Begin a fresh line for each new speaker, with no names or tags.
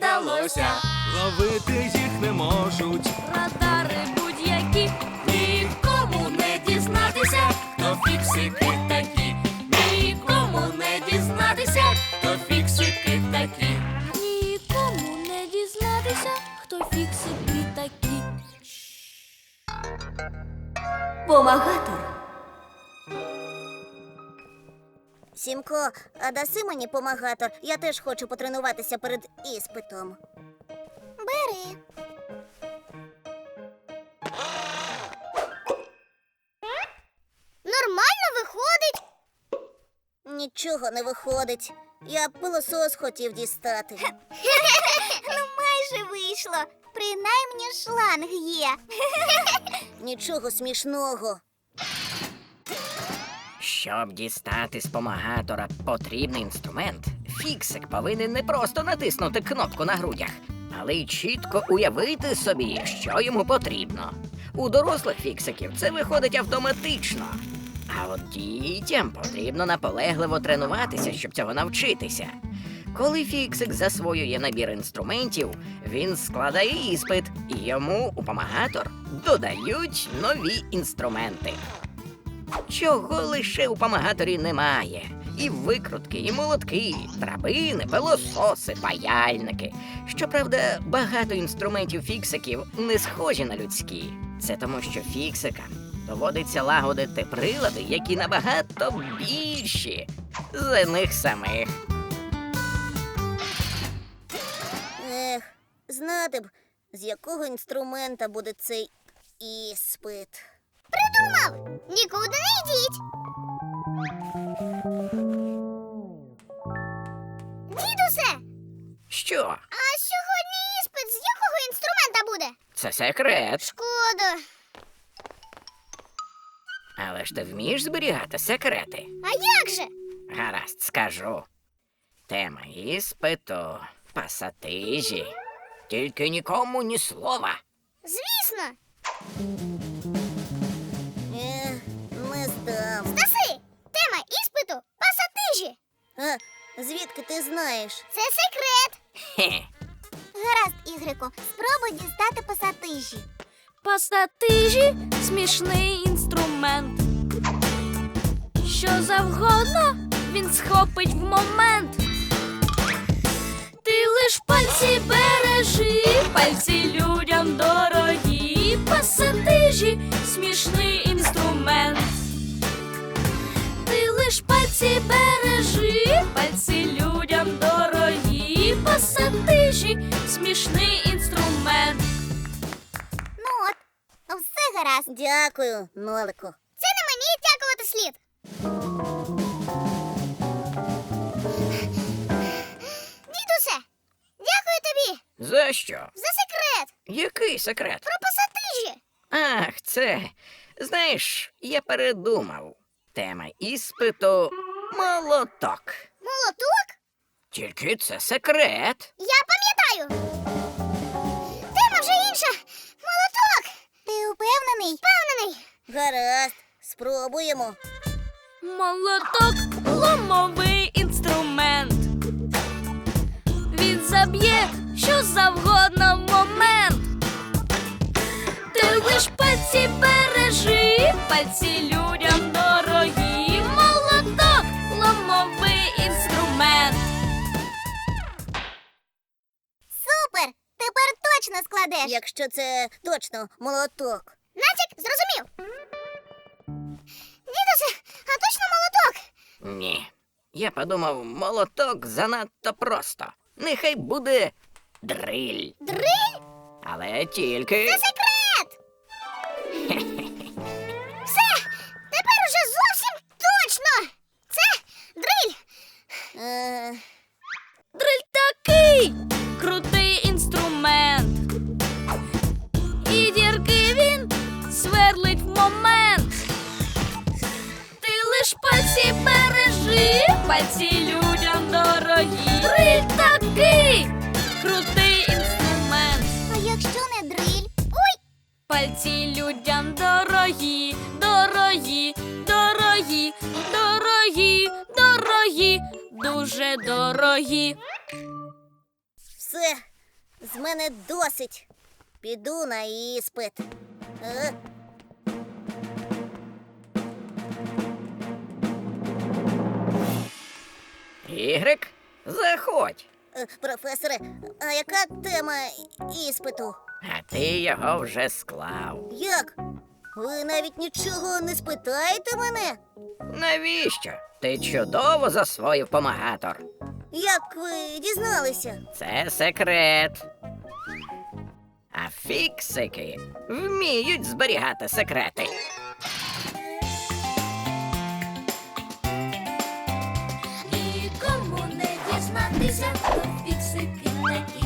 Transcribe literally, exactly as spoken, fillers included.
вдалося.
Ловити їх не можуть.
Радари будь-які, нікому не дізнатися, хто фіксики такі. Нікому не дізнатися, хто фіксики такі. Нікому не дізнатися, хто фіксики такі.
Помагатор.
Сімко, а даси мені помагатор? Я теж хочу потренуватися перед іспитом. Бери. Нормально виходить. Нічого не виходить. Я пилосос хотів дістати. Ну, майже вийшло. Принаймні шланг є. Нічого смішного.
Щоб дістати з помагатора потрібний інструмент, фіксик повинен не просто натиснути кнопку на грудях, але й чітко уявити собі, що йому потрібно. У дорослих фіксиків це виходить автоматично. А от дітям потрібно наполегливо тренуватися, щоб цього навчитися. Коли фіксик засвоює набір інструментів, він складає іспит, і йому у помагатор додають нові інструменти. Чого лише у помагаторі немає. І викрутки, і молотки, драбини, пилососи, паяльники. Щоправда, багато інструментів фіксиків не схожі на людські. Це тому, що фіксикам доводиться лагодити прилади, які набагато більші за них самих.
Ех, знати б, з якого інструмента буде цей іспит. Придумав! Нікуди не йдіть! Дідусе!
Що?
А сьогодні іспит з якого інструмента буде?
Це секрет.
Шкода.
Але ж ти вмієш зберігати секрети?
А як же?
Гаразд, скажу. Тема іспиту – пасатижі. Тільки нікому ні слова.
Звісно. Ех, не здам. Стаси! Тема іспиту – пасатижі. А, звідки ти знаєш? Це секрет.
Хе.
Гаразд, Ігрику, спробуй дістати пасатижі.
Пасатижі – смішний інструмент. Що завгодно він схопить в момент. Ти лиш пальці бережи, пальці людям дорогі. Пасатижі – смішний інструмент. Ти лиш пальці бережи, пальці людям дорогі. Пасатижі – смішний інструмент.
Ну от, все гаразд. Дякую, Нолику. Це не мені дякувати слід. Дідусе, дякую тобі
За що?
за секрет
Який секрет?
про пасатижі.
Ах, це. Знаєш, я передумав. Тема іспиту – молоток.
Молоток?
Тільки це секрет.
Я пам'ятаю. Тема вже інша. Молоток. Ти упевнений? Впевнений. Гаразд, спробуємо.
Молоток – ломовий інструмент. Він заб'є що завгодно в момент. Ти лиш пальці бережи, пальці людям дорогі. Молоток – ломовий інструмент.
Супер! Тепер точно складеш. Якщо це точно молоток. Натяк зрозумів. Дідусе, а точно молоток?
Ні. Я подумав, молоток занадто просто. Нехай буде дриль.
Дриль?
Але тільки...
Це секрет! Все! Тепер уже зовсім точно! Це дриль! Е...
Дриль такий крутий інструмент. І дірки він сверлить в момент. Ти лиш пальці бережи, пальці людям дорогі. Дриль такий крутий інструмент.
А якщо не дриль? Ой!
Пальці людям дорогі, дорогі, дорогі, дорогі, дорогі, дуже дорогі.
Все, З мене досить. Піду на іспит. Е?
Ігрик, заходь.
Е, Професоре, а яка тема іспиту?
А ти його вже склав.
Як? Ви навіть нічого не спитаєте мене?
Навіщо? Ти чудово засвоїв помагатор.
Як ви дізналися?
Це секрет. А фіксики вміють зберігати секрети.
Нікому не дізнатися, хто фіксики такі.